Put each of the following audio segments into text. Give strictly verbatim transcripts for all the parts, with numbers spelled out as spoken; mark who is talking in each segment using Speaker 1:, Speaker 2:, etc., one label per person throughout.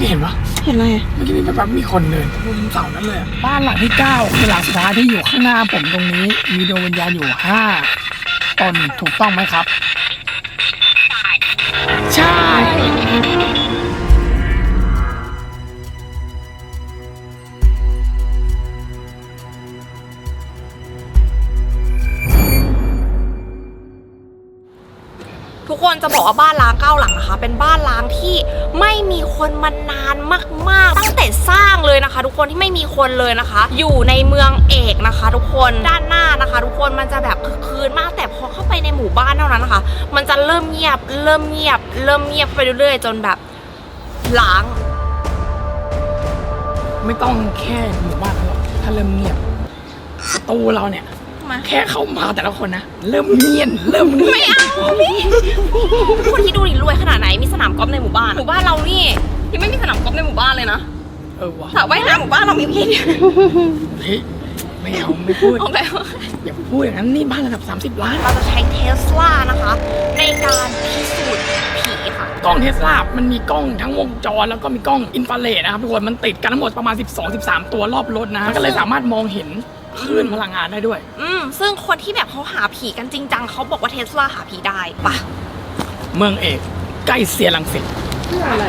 Speaker 1: กี้เห็นปะ
Speaker 2: เห็นอะไร
Speaker 1: เมื่อกี้มีแบบมีคนเดินบนเสานั่นเลยบ้านหลังที่เก้าคือหลังสุดท้ายที่อยู่ข้างหน้าผมตรงนี้มีดวงวิญญาณอยู่ห้าตนถูกต้องไหมครับใช่
Speaker 2: ทุกคนจะบอกว่าบ้านล้างเก้าหลังนะคะเป็นบ้านล้างที่ไม่มีคนมานานมากๆตั้งแต่สร้างเลยนะคะทุกคนที่ไม่มีคนเลยนะคะอยู่ในเมืองเอกนะคะทุกคนด้านหน้านะคะทุกคนมันจะแบบคึกคืนมากแต่พอเข้าไปในหมู่บ้านเท่านั้นนะคะมันจะเริ่มเงียบเริ่มเงียบเริ่มเงียบไปเรื่อยๆจนแบบล้าง
Speaker 1: ไม่ต้องแค่หมู่บ้านหรอกถ้าเริ่มเงียบประตูเราเนี่ยแค่เข้ามาแต่ละคนนะเริ่มเงียบเริ่มเงียบ
Speaker 2: ไม่เอาพี่คนที่ดูดิรวยขนาดไหนมีสนามกอล์ฟในหมู่บ้านหมู่บ้านเรานี่ยังไม่มีสนามกอล์ฟในหมู่บ้านเลยนะ
Speaker 1: เออวะ
Speaker 2: สระว่ายน้ำหมู่บ้านเรามีเพียง
Speaker 1: เฮ้ยไม่เอาไม่พูด
Speaker 2: เอาแล้ว
Speaker 1: อย่าพูดอย่างนั้นนี่บ้านระดับสามสิบล้าน
Speaker 2: เราจะใช้เทสลานะคะในการพิสูจน์ผีค่ะ
Speaker 1: กล้องเทสลามันมีกล้องทั้งวงจรแล้วก็มีกล้องอินฟราเรดนะครับทุกคนมันติดกันทั้งหมดประมาณสิบสอง สิบสามตัวรอบรถนะก็เลยสามารถมองเห็นคลื่นพลังงานได้ด้วย
Speaker 2: อืมซึ่งคนที่แบบเขาหาผีกันจริงจังเขาบอกว่าเทสลาหาผีได้ปะ
Speaker 1: เมืองเอกใกล้เซียรังสิต
Speaker 2: เพื่ออะไร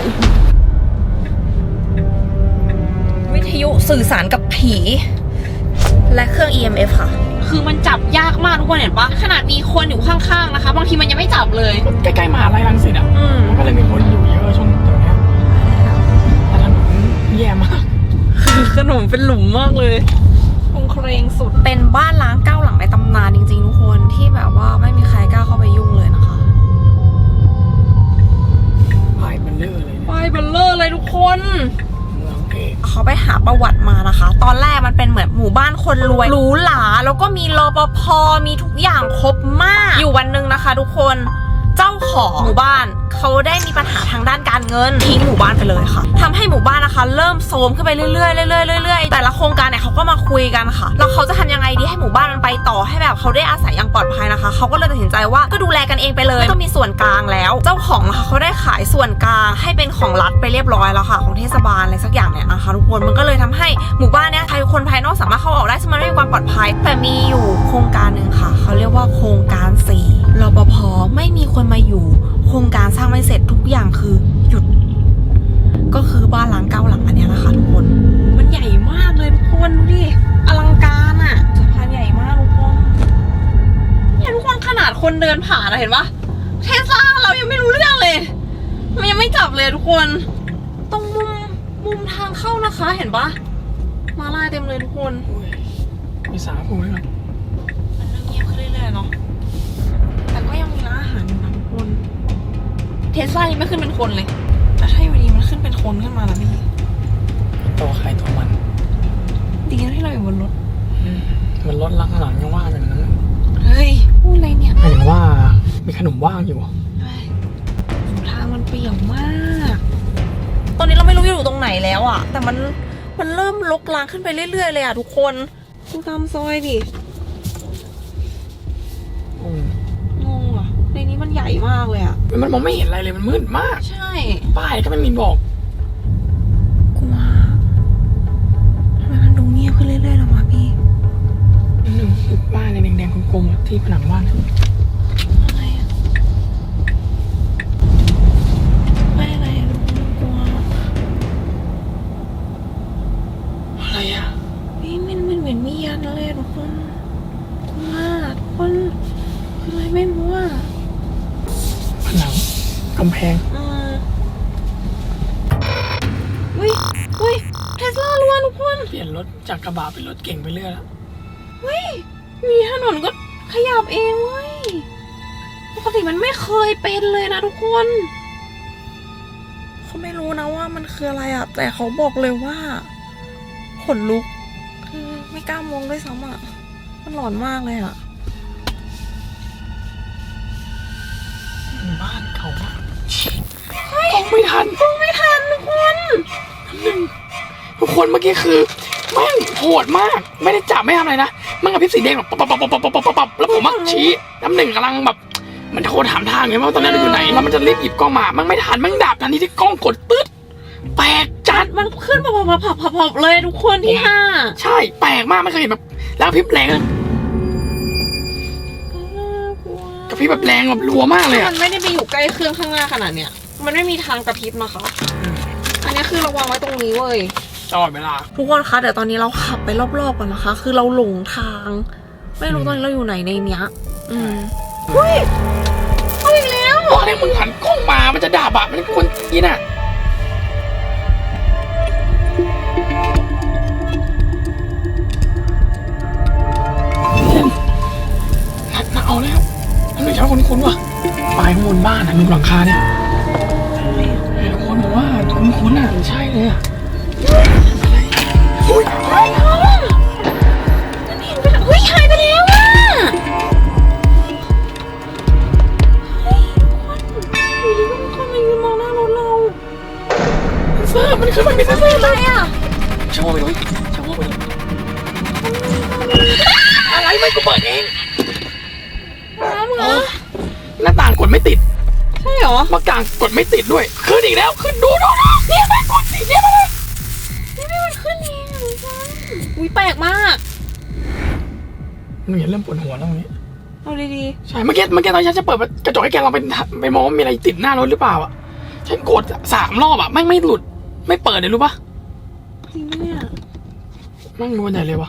Speaker 2: วิทยุสื่อสารกับผีและเครื่อง อี เอ็ม เอฟ ค่ะคือมันจับยากมากทุกคนเห็นปะขนาดมีคนอยู่ข้างๆนะคะบางทีมันยังไม่จับเลย
Speaker 1: ใกล้ๆมหาลัยรังสิตอ่ะมันก็เลยมีคนอยู่เยอะช่วงตรงนี้แต่ถนนแย่มาก
Speaker 2: คือขนมเป็นหลุมมากเลยคงเครงสุดเป็นบ้านล้างเก้าหลังในตำนานจริงๆทุกคนที่แบบว่าไม่มีใครกล้าเข้าไปยุ่งเลยนะคะ
Speaker 1: ป้ายเบลเลอร์เลย
Speaker 2: ป้ายเบลเลอร์เลยทุกคน
Speaker 1: เมืองเอก
Speaker 2: เขาไปหาประวัติมานะคะตอนแรกมันเป็นเหมือนหมู่บ้านคนรวยหรูหราแล้วก็มีรปภมีทุกอย่างครบมากอยู่วันหนึ่งนะคะทุกคนเจ้าของหมู่บ้านเขาได้มีปัญหาทางด้านการเงินทิ้งหมู่บ้านไปเลยค่ะทำให้หมู่บ้านนะคะเริ่มโทรมขึ้นไปเรื่อยๆเรื่อยๆเรื่อยๆแต่ละโครงการเนี่ยเขาก็มาคุยกันค่ะแล้วเขาจะทำยังไงดีให้หมู่บ้านมันไปต่อให้แบบเขาได้อาศัยอย่างปลอดภัยนะคะเขาก็เลยตัดสินใจว่าก็ดูแลกันเองไปเลยไม่ต้องมีส่วนกลางแล้วเจ้าของนะคะเขาได้ขายส่วนกลางให้เป็นของรัฐไปเรียบร้อยแล้วค่ะของเทศบาลอะไรสักอย่างเนี่ยนะคะทุกคนมันก็เลยทำให้หมู่บ้านเนี่ยใครคนภายนอกสามารถเข้าออกได้ซึ่งมันไม่มีความปลอดภัยแต่มีอยู่โครงการหนึ่งค่ะเขาเรียกว่าโครงการสี่รปภไม่มีคนมาอยู่โครงการสร้างไม่เสร็จทุกอย่างคือหยุดก็คือบ้านหลังเก้าหลังอันนี้นะคะทุกคนมันใหญ่มากเลยทุกคนดูดิอลังการอ่ะสะพานใหญ่มากทุกคนเนี่ยทุกคนขนาดคนเดินผ่านเห็นปะเทสลาเรายังไม่รู้เรื่องเลยมันยังไม่จับเลยทุกคนตรงมุมมุมทางเข้านะคะเห็นปะมาลายเต็มเลยทุกคน
Speaker 1: มีสาคูด้วยนะ
Speaker 2: มันเงียบขึ้นเรื่อยๆเนาะแต่ก็ยังมีร้านอาหารอยู่นะทุกคนเทสลายังไม่ขึ้นเป็นคนเลยแต่ถ้าอยู่ดีมันขึ้นเป็นคนขึ้นมาแล้วพี่
Speaker 1: ตัวใครตัวมัน
Speaker 2: ดีนะที่เราอยู่บนรถ
Speaker 1: มันรถลังหลังยังว่างอย่างนั้น
Speaker 2: เฮ้ยพูดอะไรเนี่ย
Speaker 1: หมายถึงว่ามีขนมว่างอยู่
Speaker 2: ทางมันเปี่ยวมากตอนนี้เราไม่รู้อยู่ตรงไหนแล้วอ่ะแต่มันมันเริ่มลกลางขึ้นไปเรื่อยๆเลยอ่ะทุกคนดูตามซอยดิงงอ่ะในนี้มันใหญ่มากเลยอ่ะ
Speaker 1: มันมองไม่เห็นอะไรเลยมันมืดมาก
Speaker 2: ใช่
Speaker 1: ป้ายก็ไม่มีบอก
Speaker 2: กลัวทำไมมันดูเงียบขึ้นเรื่อยๆแล้ววะพี่
Speaker 1: หนึ่งคือป้ายในแดงๆกลมๆที่ผนังบ้าน
Speaker 2: อะไรอ่ะป้ายอะไรอ่ะกลัว
Speaker 1: อะไรอ่ะ
Speaker 2: พี่มันมันเหมือนมียันอะไรทุกคนกลัวทุกคนคืออะไรไม่รู้อ่ะ
Speaker 1: ผนังกำแพง
Speaker 2: อืมอุ้ยอุ้ยเทสลาล้วนทุกคน
Speaker 1: เปลี่ยนรถจากกระบะเป็นรถเก่งไปเรื่อยแล้ว
Speaker 2: เฮ้ยมีถนนก็ขยับเองเว้ยปกติมันไม่เคยเป็นเลยนะทุกคนเขาไม่รู้นะว่ามันคืออะไรอ่ะแต่เขาบอกเลยว่าขนลุกคือไม่กล้ามองด้วยซ้ำอ่ะมันหลอนมากเลยอ่ะ
Speaker 1: บ้านเขาอะกล้องไม่ทัน
Speaker 2: กล้องไม่ทันทุกคน
Speaker 1: ทุกคนเมื่อกี้คือแม่งโหดมากไม่ได้จับไม่ทำอะไรนะมันกับพริบสีแดงแบบปับปับปับปับปับปับปับแล้วผมมักชี้น้ำหนึ่งกำลังแบบมันโทรถามทางไงว่าตอนนั้นอยู่ไหนแล้วมันจะรีบหยิบกล้องมามันไม่ทันมันดับทันทีที่กล้องกดตึ๊ดแปลกจัด
Speaker 2: มันขึ้นผับผับผับผับผับเลยทุกคนที่ห้า
Speaker 1: ใช่แปลกมากไม่เคยเห็นแบบแล้วพริบแรงเลยกระพริบแบบแรงแบบรัวมากเลย
Speaker 2: มั
Speaker 1: อะ
Speaker 2: นไม่ได้ไปอยู่ใกล้เครื่องข้างหน้าขนาดเนี้ยมันไม่มีทางกระพริบนะคะ อันนี้คือระวังไว้ตรงนี้เว้ย
Speaker 1: ตลอดเวลา
Speaker 2: ทุกคนคะเดี๋ยวตอนนี้เราขับไปรอบๆก่อนนะคะ คือเราหลงทาง ไม่รู้ตอนนี้เราอยู่ไหนในเนี้ย อืมเฮ้ยเอาอีกแล้ว
Speaker 1: ตอนนี้มึงหันกล้องมามันจะด่าบะมันควรกินอ่ะนัดมาเอาแล้วอันนี้ชอบคุ้นๆว่ะปลายข้างบนบ้านอ่ะมีหลังคาเนี่ยทุกคนบอกว่าคุ้นๆอ่ะใช่เลยอ่ะอะไรเฮ้ย
Speaker 2: เฮ้ยนั่นเห็นไปแล้วเฮ้ยหายไปแล้วอะเฮ้ยทุกคนอยู่ดีก็มีคนมายืนมองหน้ารถเรา
Speaker 1: เซอร์มันขึ้นมาเป็นเซอร์
Speaker 2: อะไรอ่ะ
Speaker 1: ชอบไปเลยชอบไปเลยอะไรไม่กูเปิดเอง
Speaker 2: น้ำเหรอ
Speaker 1: หน้าต่างกดไม่ติด
Speaker 2: ใช่เหรอ
Speaker 1: มากางกดไม่ติดด้วยขึ้นอีกแล้วขึ้นดูดูดูเนี่ยไม่กดติดเนี่ยมาเลย
Speaker 2: นี่ไม่มันขึ้นเองอะทุกคนอุ้ยแปลกมาก
Speaker 1: หนูเห็นเริ่มปวดหัวแล้วตรงนี้
Speaker 2: เอาดี
Speaker 1: ใช่เมื่อกี้เมื่อกี้ตอนฉันจะเปิดกระจกให้แกลองไปไปมองว่ามีอะไรติดหน้ารถหรือเปล่าอ่ะฉันกดสามรอบอ่ะไม่ไม่หลุดไม่เปิดเลยรู้ปะ
Speaker 2: ๆจริงปะเนี่ย
Speaker 1: นั่งดูใหญ่เลยวะ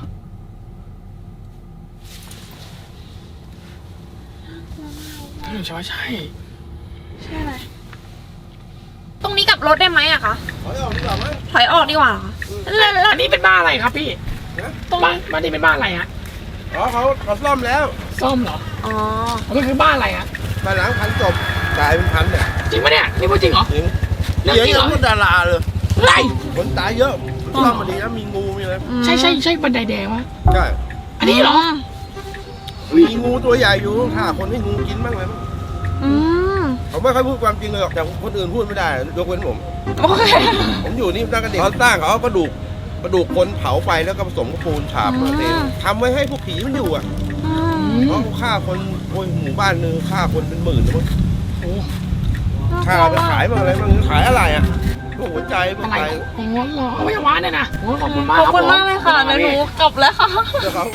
Speaker 1: หนูใช่ว่าใช่
Speaker 2: ใช่ไหมตรงนี้กลับรถได้ไหมอะคะ
Speaker 3: ถอยออกดีกว่าไหม
Speaker 2: ถอยออกดีกว่าแล้วแล้ว
Speaker 1: อันนี้เป็นบ้านอะไรครับพี่
Speaker 2: ตรง
Speaker 1: บ้านบ้านนี้เป็นบ้านอะไรฮะ
Speaker 3: อ๋อเขาเขาซ่อมแล้ว
Speaker 1: ซ่อมเหรอ
Speaker 2: อ๋อ
Speaker 1: มันคือบ้านอะไรฮะ
Speaker 3: มาหลังพันจบกลายเป็นพันเนี่ย
Speaker 1: จริงปะเนี่ยนี่พูดจริงเหรอ
Speaker 3: จริง
Speaker 1: เรื่อง
Speaker 3: เยอะ
Speaker 1: จริงเหรอ
Speaker 3: พวกดาราเลย
Speaker 1: ไร
Speaker 3: คนตายเยอะซ่อมมาดีนะมีงูมีอะไร
Speaker 1: ใช่ใช่ใช่บันไดแดงวะ
Speaker 3: ใช่
Speaker 1: อันนี้เหรอ
Speaker 3: มีงูตัวใหญ่อยู่ฆ่าคนให้งูกินบ้างเลยมั้ง
Speaker 2: อืม
Speaker 3: ผมไม่ค่อยพูดความจริงเลยหรอกแต่คนอื่นพูดไม่ได้ยกเว้นผม
Speaker 2: โอเค
Speaker 3: ผมอยู่นี่ตั้งแต่เด็กเขาสร้างเขาเอากระดูกกระดูกคนเผาไฟแล้วก็ผสมกับปูนฉาบมาเองทำไว้ให้พวกผีมันอยู่อ่ะ
Speaker 2: อืม
Speaker 3: เพราะฆ่าคนโอ้ยหมู่บ้านนึงฆ่าคนเป็นหมื่นเลยมั้ง
Speaker 1: โอ้
Speaker 3: ฆ่าไปขายมาอะไรบ้างขายอะไรอ่ะพวกหัวใจพวก
Speaker 1: อะไร
Speaker 3: ไต
Speaker 1: โอ้โหเหรอเอาไว้วานเนี่ยนะโอ้ยขอบคุณมาก
Speaker 2: ขอบ
Speaker 1: รับ
Speaker 2: คุณมากเลยค่ะ
Speaker 1: ผม
Speaker 2: เดี๋ยวหนูกลับแล้วค่ะ
Speaker 3: เดี๋ยวเขา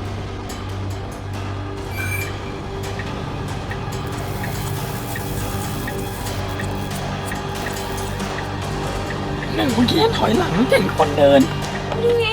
Speaker 1: หนึ่งคนที่ถอยหลังเห็นคนเดิน
Speaker 2: นี่ไง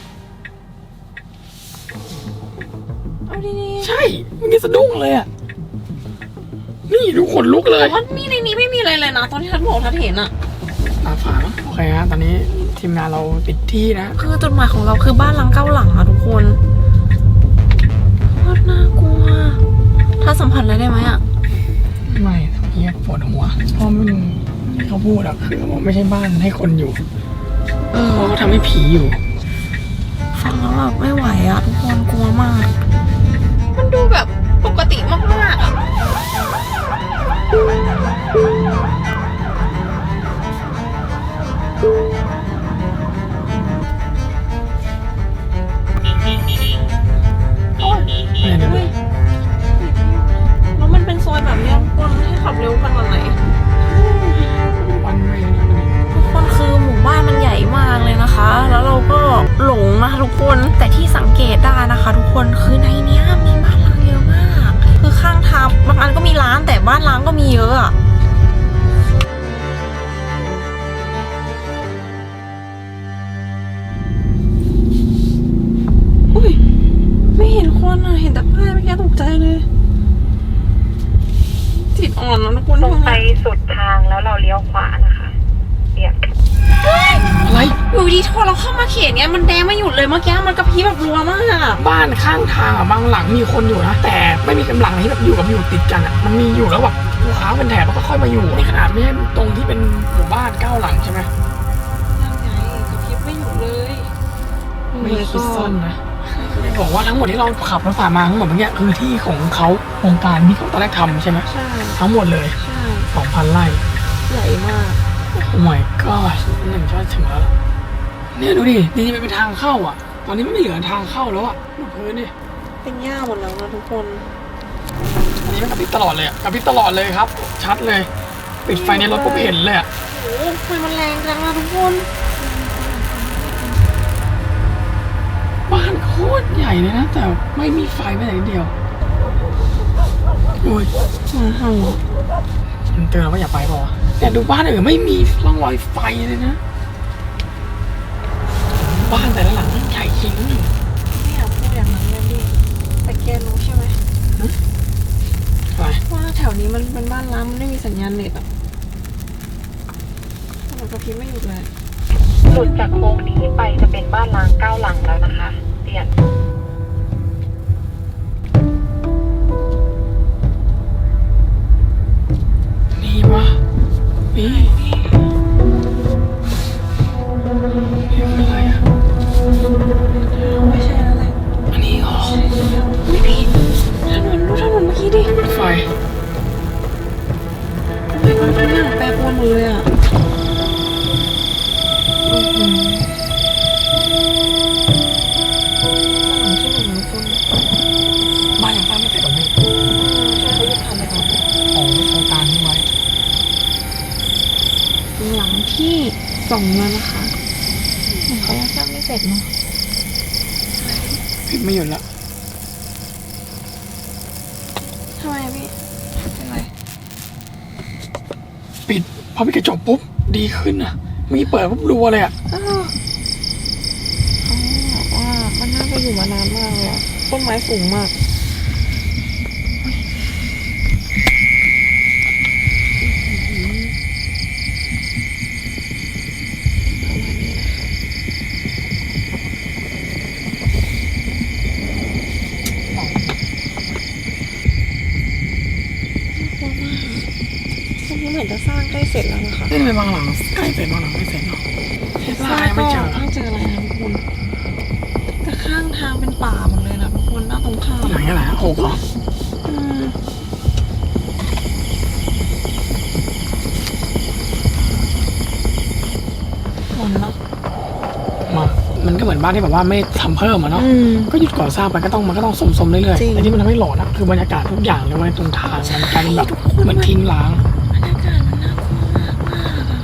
Speaker 2: เอาดี
Speaker 1: ใช่เมื่อกี้สะดุ้งเลยอ่ะ นี่ดูขนลุกเล
Speaker 2: ๆ
Speaker 1: ย
Speaker 2: แต่ว่านี่ในนี้ไม่มีอะไรเลยนะ ตอนที่ทัดบอกทัดเห็นอะ
Speaker 1: ตาฝาดโอเคฮะตอนนี้ทีมงานเราปิดที่นะ
Speaker 2: คือจุดหมายของเราคือบ้านหลังเก้าหลังอะทุกคนโคตรน่ากลัว ถ้าสัมผัสอะไรได้ไหมอะ
Speaker 1: ไม่เมื่อกี้ปวดหัวเพราะมันที่เขาพูดอะคือว่าไม่ใช่บ้านให้คนอยู่
Speaker 2: เออ
Speaker 1: เพราะเขาทำให้ผีอยู่
Speaker 2: ฟังแล้วแบบไม่ไหวอะทุกคนกลัวมาก มันดูแบบปกติมากๆอะโอ้ย
Speaker 1: ไม่ได้
Speaker 2: เฮ้ยแล้วมันเป็นซอยแบบเนี้ยคนให้ขับเร็วขนาดไหน
Speaker 1: วันเวรนะ
Speaker 2: ทุกคนคือหมู่บ้านมันใหญ่มากเลยนะคะ แล้วเราก็หลงนะคะทุกคน แต่ที่สังเกตได้นะคะ ทุกคน คือในเนี้ยมีบ้านร้างเยอะมาก คือข้างทางบางอันก็มีร้านแต่บ้านร้างก็มีเยอะอะอุ้ย ไม่เห็นคนอะเห็นแต่ป้ายเมื่อกี้ตกใจเลย จิตอ่อนนะทุกคน
Speaker 4: ตรงไปสุดทางแล้วเราเลี้ยวขวานะคะเนี่ย
Speaker 1: อะไร
Speaker 2: อยู่ดีพอเราเข้ามาเขตเนี้ยมันแดงไม่หยุดเลยเมื่อกี้มันกระพริบแบบรัวมากอะ
Speaker 1: บ้านข้างทางอะบางหลังมีคนอยู่นะแต่ไม่มีกำลังที่แบบอยู่กับอยู่ติดกันอะมันมีอยู่แล้วแบบลูกค้าเป็นแถบแล้วก็ค่อยมาอยู่ในขนาดไม่ใช่ตรงที่เป็นหมู่บ้านเก้าหลังใช่ไหม
Speaker 2: ยังไงกระพริบไม่หยุดเลย
Speaker 1: ไม่ได้คิดซ่อนนะคือบอกว่าทั้งหมดที่เราขับรถผ่านมาทั้งหมดเมื่อกี้คือที่ของเขาโครงการที่เขาตอนแรกทำใช่ไหม
Speaker 2: ใช่
Speaker 1: ทั้งหมดเลย
Speaker 2: ใช่
Speaker 1: สองพันไร่
Speaker 2: ใหญ่มาก
Speaker 1: โอ้ my god หนึ่งชาติถึงแล้วล่ะเนี่ยดูดินี่จะเป็นทางเข้าอ่ะ ตอนนี้ไม่เหลือทางเข้าแล้วอ่ะดูพื้นดิ
Speaker 2: เป็นหญ้าหมดแล้วนะทุกคน
Speaker 1: อันนี้มันกระพริบตลอดเลยอ่ะกระพริบตลอดเลยครับ ชัดเลย ปิดไฟในรถปุ๊บเห็นเลยอ่ะ
Speaker 2: ใโอ้โหไฟมันแรงจังอะทุกคน
Speaker 1: บ้านโคตรใหญ่เลยนะแต่ไม่มีไฟแม้แต่นิดเดียวโอ้ย
Speaker 2: หมาเห่า
Speaker 1: มันเตือนเราว่าอย่าไปป่าวะแต่ดูบ้านอื่นไม่มีร่องรอยไฟเลยนะบ้านแต่ละหลังมันใหญ่จริง
Speaker 2: ไม่อยากพูดอย่างนั้นเลยพี่แต่แกรู้ใช่ไหม
Speaker 1: อะไร
Speaker 2: ว่าแถวนี้มันเป็นบ้านร้างมันไม่มีสัญญาณเน็ตอ่ะมันกระพริบไม่หยุดเลย
Speaker 4: หลุดจากโค้งนี้ไปจะเป็นบ้านล้างเก้าหลังแล้วนะคะเปลี่ยน
Speaker 1: มีวะมีนี่คืออะไรอ่ะ
Speaker 2: ไม่ใช่แล้วแหละ
Speaker 1: อันนี้เหรอ
Speaker 2: ไม่พี่ถนนดูถนนเมื่อกี้ดิ
Speaker 1: ไฟ
Speaker 2: ไฟมันทุกอย่างแปรปรวนหมดเลยอ่ะอือหือหลังที่หนึ่งนะคุณ
Speaker 1: บ้านยังสร้างไม่เสร็จหรอพี่
Speaker 2: ใช่เขายึดทำไปก่อน
Speaker 1: อ๋อโครงการทิ้งไว้
Speaker 2: หลังที่สองแล้วนะคะเขายังสร้างไม่เสร็จเนาะ
Speaker 1: พิมพ์ไม่หยุดละ
Speaker 2: ทำไมพี่เป็นไร
Speaker 1: ปิดพอปิดกระจกปุ๊บดีขึ้นอ่ะมีเปิดปุ๊บรัวเลยอ่ะ
Speaker 2: อ้าวเขาบอกว่ามันน่าจะอยู่มานานมากเลยอะต้นไม้สูงมากตรงนี้เหมือนจะสร้างใกล้เสร็จแล้วนะคะ
Speaker 1: นี่เป็นบางหลังใกล้เสร็จบางหลังไม่เสร็จเนาะเทสลายังไม่เจอ
Speaker 2: ไม่เจออะไรนะทุกคนแต่ข้างทางเป็นป่าหมดเลยนะทุกคนหน้าตรงข้าม
Speaker 1: หลังอะไรหกเหรอ
Speaker 2: อืมหมดแล้ว
Speaker 1: มามันก็เหมือนบ้านที่แบบว่าไม่ทำเพิ่มอะเนาะ
Speaker 2: อืม
Speaker 1: ก็หยุดก่อสร้างไปก็ต้องมันก็ต้องสมๆเรื่อย
Speaker 2: จริง
Speaker 1: ๆแต่ที่มันทำให้หลอนอะคือบรรยากาศทุกอย่างเลยว่าตรงทางมันกลายเป็นแบบเหมือนทิ้งร้าง
Speaker 2: บรรยากาศมันน่ากลัวมากมากอะ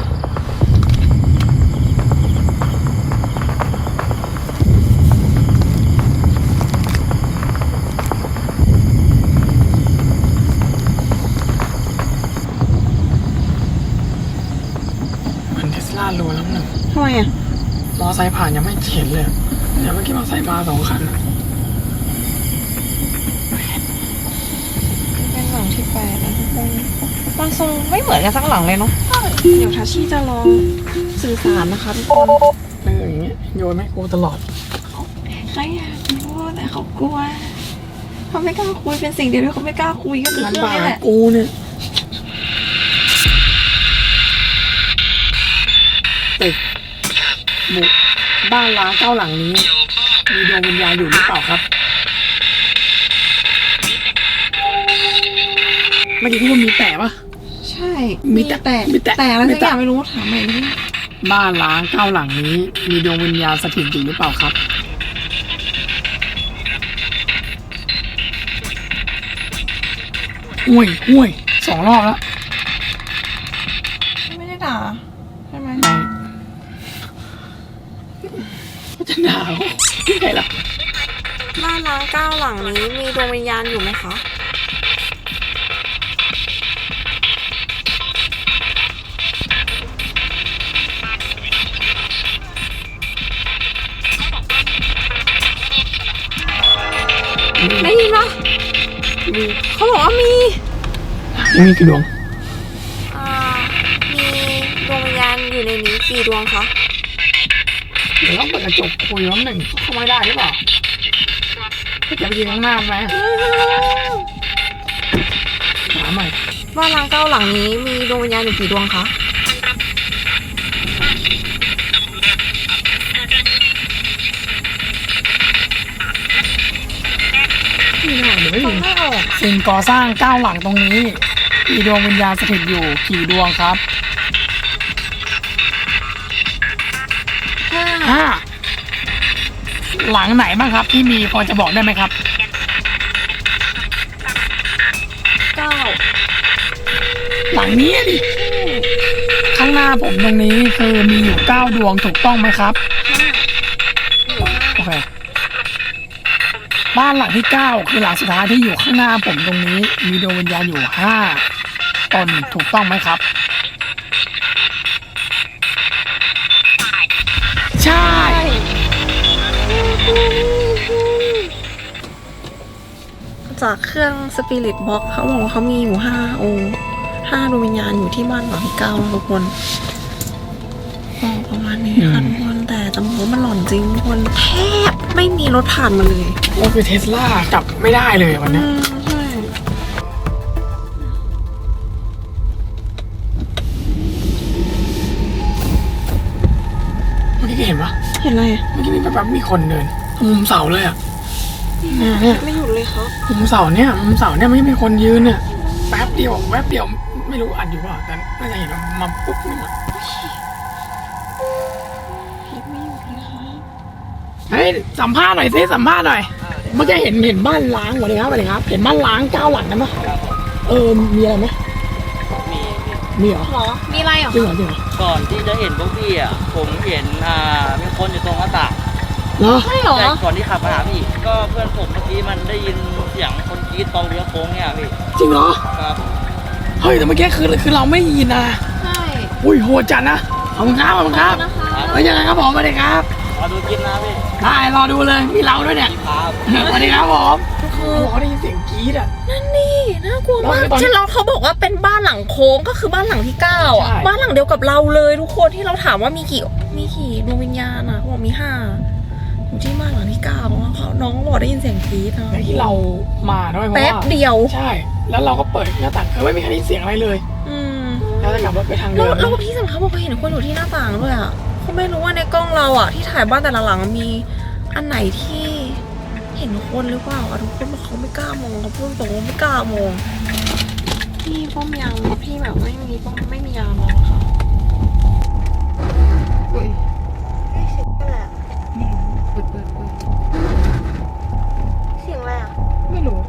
Speaker 1: เหมือนเทสลารัวแล้วหนึ่ง
Speaker 2: ทำไมอ่ะ
Speaker 1: มอไซค์ผ่านยังไม่เห็นเลยเดี๋ยวเมื่อกี้มอไซค์มาสองคันอะ
Speaker 2: เป็นหลังที่แปดนะทุกคนมันทรงไม่เหมือนกันสักหลังเลยเนาะเดี๋ยวทัชชี่จะลองสื่อสารนะคะทุกคน
Speaker 1: เอออย่างเงี้ยโยนไม่กูตลอด
Speaker 2: เขาอยากพูดแต่เขากลัวเขาไม่กล้าคุยเป็นสิ่งเดียวที่เขาไม่กล้าคุยก็คือ
Speaker 1: มัน
Speaker 2: เรื่อง
Speaker 1: บ้า
Speaker 2: นี้แหละ
Speaker 1: กูเนี่ยตึกบุกบ้านล้างเก้าหลังนี้ มีดวงวิญญาณอยู่หรือเปล่าครับเมื่อกี้พี่ว่ามีแต่ปะ
Speaker 2: ใช่
Speaker 1: มีแต่
Speaker 2: แต่
Speaker 1: มีแต่
Speaker 2: แต่อะไร
Speaker 1: มี
Speaker 2: สัก
Speaker 1: แต่
Speaker 2: อย่างไม่รู้ถามใหม่ดิ
Speaker 1: บ้านล้างเก้าหลังนี้ มีดวงวิญญาณสถิตอยู่หรือเปล่าครับอุ้ยอุ้ยสองรอบแล้ว
Speaker 2: ไม่ได้ด่าใช่ไหม
Speaker 1: ไม่ก็จะหนาวยังไงล่ะ
Speaker 2: บ้านล้างเก้าหลังนี้มีดวงวิญญาณอยู่ไหมคะ ได้ยินปะ
Speaker 1: มี
Speaker 2: เขาบอกว่ามี
Speaker 1: มีกี่ดวง
Speaker 2: อ่า มีดวงวิญญาณอยู่ในนี้กี่ดวงคะ
Speaker 1: เดี๋ยวต้องเปิดกระจกคุยน้ำหนึ่งเข้าไม่ได้หรือเปล่าก็จะไปยืนข้างหน้าไหมหาใหม่
Speaker 2: บ้านล้างเก้าหลังนี้มีดวงวิญญาณอยู่กี่ดวงคะ
Speaker 1: ไม่ได้เดี๋ยวไม่
Speaker 2: ฟั
Speaker 1: มี
Speaker 2: งไม่ออก
Speaker 1: สิ่งก่อสร้างเก้าหลังตรงนี้ มีดวงวิญญาณสถิตอยู่กี่ดวงครับ
Speaker 2: ห้า
Speaker 1: ห้าหลังไหนบ้างครับ ที่มีพอจะบอกได้ไหมครับ
Speaker 2: เก้า
Speaker 1: หลังนี้ดิข้างหน้าผมตรงนี้คือมีอยู่เก้าดวงถูกต้องไหมครับโอเคบ้านหลังที่เก้าคือหลังสุดท้ายที่อยู่ข้างหน้าผมตรงนี้ มีดวงวิญญาณอยู่ห้าตนถูกต้องไหมครับใช่
Speaker 2: จากเครื่องสปิริตบ็อกเขาบอกว่าเขามีอยู่ห้าองค์ห้าดวงวิญญาณอยู่ที่บ้านหลังที่เก้าทุกคนบอกประมาณนี้ค่ะทุกคนแต่จำนวนมันหล่อนจริงทุกคนแทบไม่มีรถผ่านมาเลย
Speaker 1: ก็คือเทสลาจับไม่ได้เลยวันนี้
Speaker 2: ใช่
Speaker 1: เมื่อกี้เห็นปะ
Speaker 2: เห็นอะไร
Speaker 1: เมื่อกี้มีแบบมีคนเดินมุมเสาเลยอ่ะเนี่ยเนี่ย
Speaker 2: ไม่หยุดเลยครับ
Speaker 1: มุมเสาเนี่ยมุมเสาเนี่ยไม่มีคนยืนเนี่ยแป๊บเดียวแป๊บเดียวไม่รู้อัดอยู่เปล่าแต่น่าจะเห็นว่ามาปุ๊บนี่มาเฮ้ยสัมภาษณ์หน่อยสิสัมภาษณ์หน่อยเมื่อกี้เห็นเห็นบ้านล้างสวัสดีครับสวัสดีครับเห็นบ้านล้างเก้าหลังนะมั้ยเออมีอะไรไหมมีมีเหรอ
Speaker 2: หรอมีอะไรเหรอ
Speaker 1: จริงเหรอจริงเหรอ
Speaker 5: ก่อนที่จะเห็นพวกพี่อ่ะผมเห็นอ่ามีคนอยู่ตรงหน้าต่าง
Speaker 1: เหรอ
Speaker 2: ใช่เหรอ
Speaker 5: แต่ก่อนที่ขับมาหาพี่ก็เพื่อนผมเมื่อกี้มันได้ยินเสียงคนกรี๊ดตอนเลี้ยวโค้งเนี่ยพี่
Speaker 1: จริงเหรอ
Speaker 5: ครับ
Speaker 1: เฮ้ยแต่เมื่อกี้คือคือเราไม่ได้ยินนะ
Speaker 2: ใช่
Speaker 1: อุ้ยโหดจัดนะขอบคุณครับขอบคุณครับ
Speaker 2: นะคะ
Speaker 1: เฮ้ยยังไงครับผมสวัสดีครับ
Speaker 5: รอดูกินนะพี่
Speaker 1: ได้รอดูเลยมีเราด้วยเนี่ย
Speaker 5: ครับ
Speaker 1: สวัสดีครับผมเขาบอกเขาได้ยินเสียงกรี๊ดอ่ะ
Speaker 2: นั่นนี่น่ากลัวมาก
Speaker 1: แล้วตอน
Speaker 2: ใช่แล้วเขาบอกว่าเป็นบ้านหลังโค้งก็คือบ้านหลังที่เก้าอ่ะ
Speaker 1: ใช่
Speaker 2: บ้านหลังเดียวกับเราเลยทุกคนที่เราถามว่ามีกี่มีกี่ดวงวิญญาณอ่ะเขาบอกมีห้าอยู่ที่บ้านหลังที่เก้าเขาน้องบอกได้ยินเสียงกรี๊ดนะ
Speaker 1: ในที่เรามาด้วยเพราะ
Speaker 2: แป๊บ
Speaker 1: ว่า
Speaker 2: เดียว
Speaker 1: ใช่ แล้วเราก็เปิดหน้าต่างคือไม่มีใครได้ยินเสียงอะไรเลย
Speaker 2: อืม
Speaker 1: แล้วจะกลับรถไปทาง
Speaker 2: แล้
Speaker 1: เดิ
Speaker 2: ว
Speaker 1: ม
Speaker 2: แล้วที่สำคัญบอกเขาเห็นคนอยู่ที่หน้าต่างด้วยอ่ะเขาไม่รู้ว่าในกล้องเราอ่ะที่ถ่ายบ้านแต่ละหลังมีอันไหนที่เห็นคนหรือเปล่าอ่ะทุกคนบอกเขาไม่กล้ามองเขาพูดตรงว่าไม่กล้ามองพี่ป้อมยามพี่แบบไม่มีป้อมไม่มียามองค่ะอุ้ยเสียงอะไรอ่ะเปิดเปิดเปิดเสียงอะไรอ่ะไม่รู้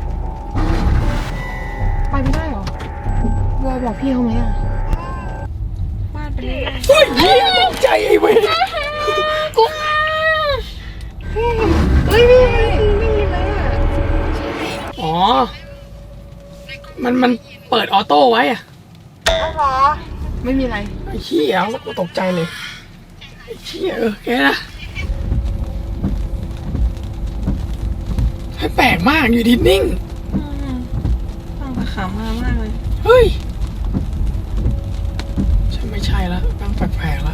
Speaker 2: ไปไม่ได้หรอวอบอกพี่เขาไหมอ่ะบ้านเป็นเรื่อง
Speaker 1: เฮ้ยเหี้ยตกใจไอ้เว้ย
Speaker 2: กูเฮ้ยไม่ไม่ไม่มีเลยอ่ะ
Speaker 1: อ๋อ มันมันเปิดออโต้ไว้อะ
Speaker 2: หรอไม่มีอะไร
Speaker 1: ไอ้เหี้ยกูตกใจเลยไอ้เหี้ยเออแค่นะแปลกมากอยู่ดีนิ่ง
Speaker 2: ฟังแต่ขำมามากเลย
Speaker 1: เฮ้ยฉันไม่ใช่ละตั้งแปลกๆละ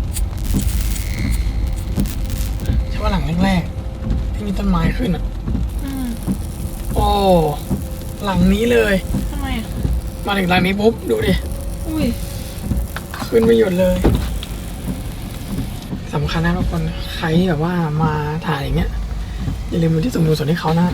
Speaker 1: ใช่ว่าหลังแรกๆที่มีต้นไม้ขึ้นอ่ะ
Speaker 2: อืม
Speaker 1: โอ้หลังนี้เลย
Speaker 2: ทำไมอ่ะ
Speaker 1: มาถึงหลังนี้ปุ๊บดูดิ
Speaker 2: อุ้ย
Speaker 1: ขึ้นไม่หยุดเลยสำคัญนะทุกคนใครแบบว่ามาถ่ายอย่างเงี้ยอย่าลืมดูที่สุ่มดูส่วนที่เขานะ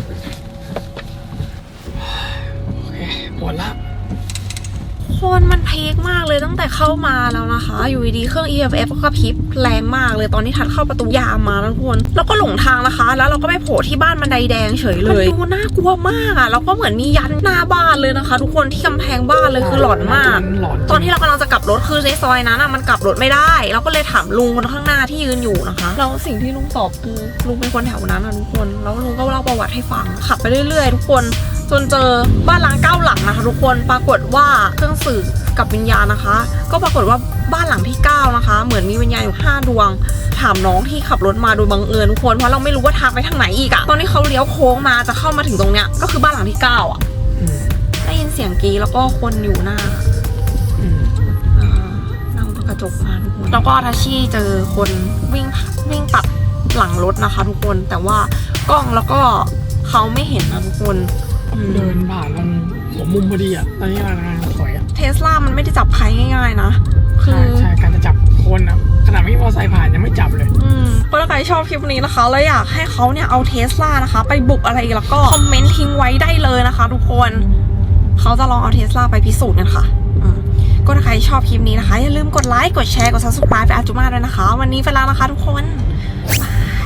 Speaker 1: โอเคหมดละ
Speaker 2: คนมันเพกมากเลยตั้งแต่เข้ามาแล้วนะคะ อยู่ดีๆเครื่อง อี เอฟ เอฟ ก็กระพริบแรงมากเลยตอนที่ทัดเข้าประตูยามมาแล้วทุกคนแล้วก็หลงทางนะคะ แล้วเราก็ไปโผล่ที่บ้านบันไดแดงเฉยเลยมันดูน่ากลัวมากอ่ะแล้วก็เหมือนมียันหน้าบ้านเลยนะคะ ทุกคนที่กำแพงบ้านเลยคือหลอนมาก
Speaker 1: หลอน
Speaker 2: ตอนที่เรากำลังจะกลับรถคือในซอยนั้นอ่ะมันกลับรถไม่ได้เราก็เลยถามลุงคนข้างหน้าที่ยืนอยู่นะคะแล้วสิ่งที่ลุงตอบคือลุงเป็นคนแถวนั้นอะทุกคนแล้วลุงก็เล่าประวัติให้ฟังขับไปเรื่อยๆทุกคนจนเจอบ้านล้างเก้าหลังนะคะทุกคนปรากฏว่าเครื่องสื่อกับวิญญาณนะคะ ก็ปรากฏว่าบ้านหลังที่เก้านะคะเหมือนมีวิญญาณอยู่ห้าดวงถามน้องที่ขับรถมาโดยบังเอิญทุกคนเพราะเราไม่รู้ว่าทางไปทางไหนอีกอะตอนที่เขาเลี้ยวโค้งมาจะเข้ามาถึงตรงเนี้ยก็คือบ้านหลังที่เก้าอะ
Speaker 1: อืม
Speaker 2: ได้ยินเสียงกรีดแล้วก็คนอยู่หน้า
Speaker 1: อืม
Speaker 2: อ่านั่งกระจกมาทุกคนแล้วก็ทัชชี่เจอคนวิ่งวิ่งตัดหลังรถนะคะ ทุกคนแต่ว่ากล้องแล้วก็เขาไม่เห็นนะทุกคนอืม
Speaker 1: เดินผ่านตรงหัวมุมพอดีอ่ะตอนนี้กำลังถอยอ่ะ
Speaker 2: เทสลามันไม่ได้จับใครง่ายๆนะคื
Speaker 1: ใช่
Speaker 2: อ
Speaker 1: ใช่การจะจับคนอ่ะขนาดไม่มีมอเตอร์ไซค์ผ่านยังไม่จับเลย
Speaker 2: อืมก็ถ้าใครชอบคลิปนี้นะคะแล้วอยากให้เขาเนี่ยเอาเทสลานะคะ ไปบุกอะไรแล้วก็คอมเมนต์ทิ้งไว้ได้เลยนะคะ ทุกคนเขาจะลองเอาเทสลาไปพิสูจน์กันค่ะอืมก็ถ้าใครชอบคลิปนี้นะคะอย่าลืมกดไลค์กดแชร์กด ซับสไครบ์ ไปอาจุมาด้วยนะคะ วันนี้ไปแล้วนะคะทุกคนบาย